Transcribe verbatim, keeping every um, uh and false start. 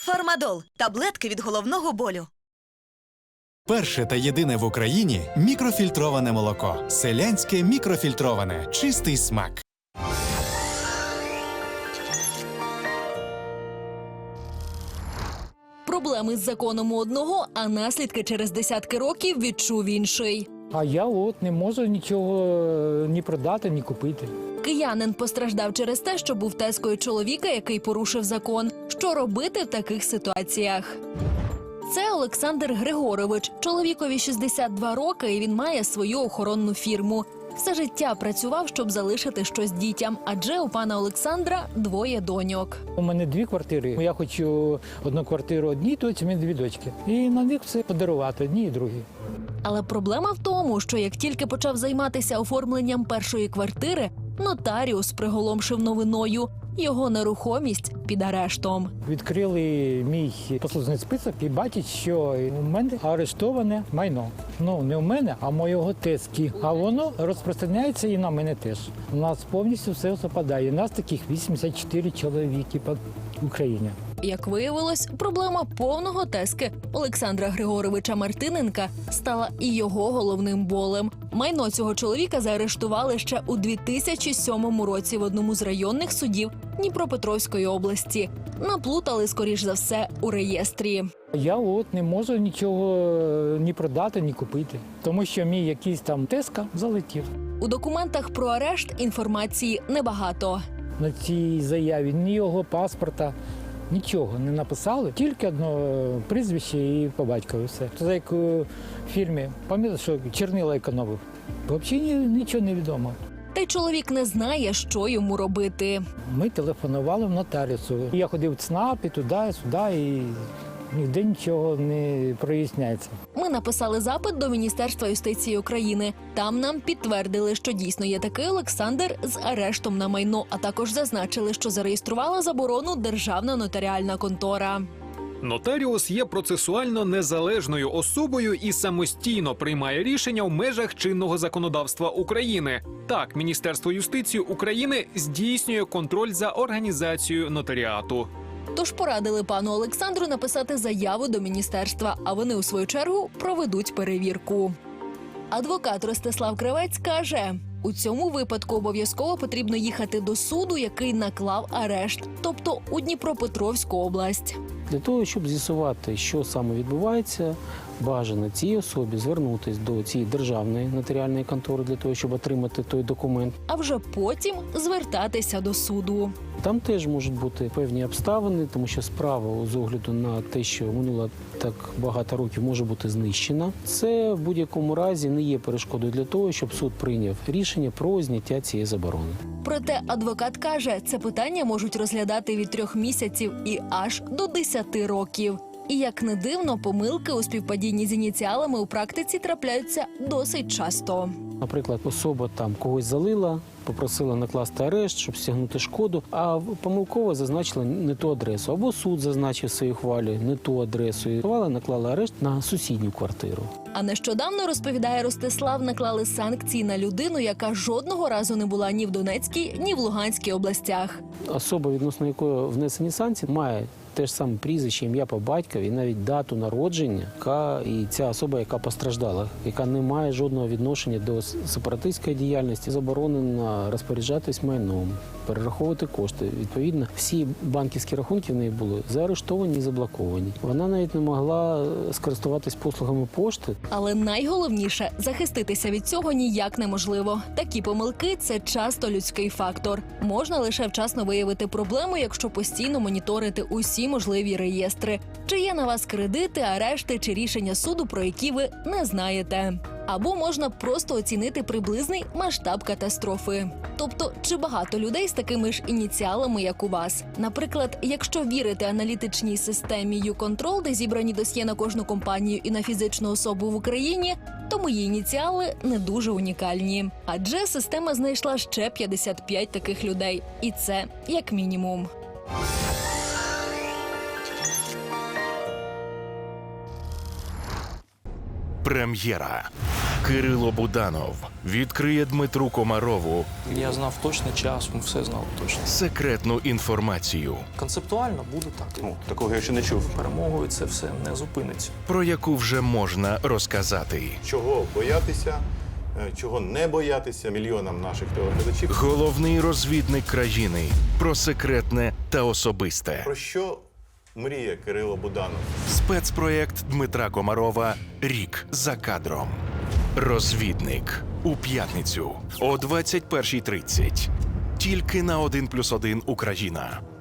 Фармадол – таблетки від головного болю. Перше та єдине в Україні мікрофільтроване молоко. Селянське мікрофільтроване. Чистий смак. Проблеми з законом у одного, а наслідки через десятки років відчув інший. А я от не можу нічого ні продати, ні купити. Киянин постраждав через те, що був тезкою чоловіка, який порушив закон. Що робити в таких ситуаціях? Це Олександр Григорович. Чоловікові шістдесят два роки, і він має свою охоронну фірму. Все життя працював, щоб залишити щось дітям, адже у пана Олександра двоє доньок. У мене дві квартири. Я хочу одну квартиру одній дочці, у мене дві дочки. І на них все подарувати, одні і другі. Але проблема в тому, що як тільки почав займатися оформленням першої квартири, нотаріус приголомшив новиною – його нерухомість під арештом. Відкрили мій послужний список і бачать, що у мене арештоване майно. Ну, не у мене, а моєго тезки. А воно розпространяється і на мене теж. У нас повністю все совпадає. У нас таких вісімдесят чотири чоловіки по Україні. Як виявилось, проблема повного тезки Олександра Григоровича Мартиненка стала і його головним болем. Майно цього чоловіка заарештували ще у дві тисячі сьомому році в одному з районних судів Дніпропетровської області. Наплутали, скоріш за все, у реєстрі. Я от не можу нічого ні продати, ні купити, тому що мій якийсь там тезка залетів. У документах про арешт інформації небагато. На цій заяві ні його паспорта, нічого не написали, тільки одне прізвище і по батькові все. За якою фірмі, пам'ятаю, що чернила економив. Взагалі нічого не відомо. Та й чоловік не знає, що йому робити. Ми телефонували в нотаріусу. Я ходив в ЦНАП і туди, і сюди, і ніде нічого не проясняється. Ми написали запит до Міністерства юстиції України. Там нам підтвердили, що дійсно є такий Олександр з арештом на майно, а також зазначили, що зареєструвала заборону Державна нотаріальна контора. Нотаріус є процесуально незалежною особою і самостійно приймає рішення в межах чинного законодавства України. Так, Міністерство юстиції України здійснює контроль за організацією нотаріату. Тож порадили пану Олександру написати заяву до міністерства, а вони, у свою чергу, проведуть перевірку. Адвокат Ростислав Кривець каже, у цьому випадку обов'язково потрібно їхати до суду, який наклав арешт, тобто у Дніпропетровську область. Для того, щоб з'ясувати, що саме відбувається, бажано цій особі звернутися до цієї державної нотаріальної контори для того, щоб отримати той документ. А вже потім звертатися до суду. Там теж можуть бути певні обставини, тому що справа з огляду на те, що минуло так багато років, може бути знищена. Це в будь-якому разі не є перешкодою для того, щоб суд прийняв рішення про зняття цієї заборони. Проте адвокат каже, це питання можуть розглядати від трьох місяців і аж до десяти років. І як не дивно, помилки у співпадінні з ініціалами у практиці трапляються досить часто. Наприклад, особа там когось залила, попросила накласти арешт, щоб стягнути шкоду, а помилково зазначила не ту адресу. Або суд зазначив в своїй ухвалі не ту адресу і наклала арешт на сусідню квартиру. А нещодавно, розповідає Ростислав, наклали санкції на людину, яка жодного разу не була ні в Донецькій, ні в Луганській областях. Особа, відносно якої внесені санкції, має те ж саме прізвище, ім'я по батькові, і навіть дату народження, яка і ця особа, яка постраждала, яка не має жодного відношення до сепаратистської діяльності, заборонена розпоряджатись майном, перераховувати кошти. Відповідно, всі банківські рахунки в неї були заарештовані і заблоковані. Вона навіть не могла скористуватись послугами пошти. Але найголовніше – захиститися від цього ніяк неможливо. Такі помилки – це часто людський фактор. Можна лише вчасно виявити проблему, якщо постійно моніторити усі можливі реєстри. Чи є на вас кредити, арешти чи рішення суду, про які ви не знаєте. Або можна просто оцінити приблизний масштаб катастрофи. Тобто, чи багато людей з такими ж ініціалами, як у вас? Наприклад, якщо вірити аналітичній системі YouControl, де зібрані досьє на кожну компанію і на фізичну особу в Україні, то мої ініціали не дуже унікальні. Адже система знайшла ще п'ятдесят п'ять таких людей. І це як мінімум. Прем'єра. Кирило Буданов відкриє Дмитру Комарову Я знав точний час, ми все знали точно. секретну інформацію, Концептуально буде так. Ну, такого я ще не чув. Перемогою це все не зупиниться. про яку вже можна розказати. Чого боятися, е, чого не боятися мільйонам наших телеглядачів. Головний розвідник країни про секретне та особисте. Про що мріє Кирило Буданов? Спецпроєкт Дмитра Комарова «Рік за кадром». Розвідник у п'ятницю о двадцять першій тридцять. Тільки на один плюс один Україна.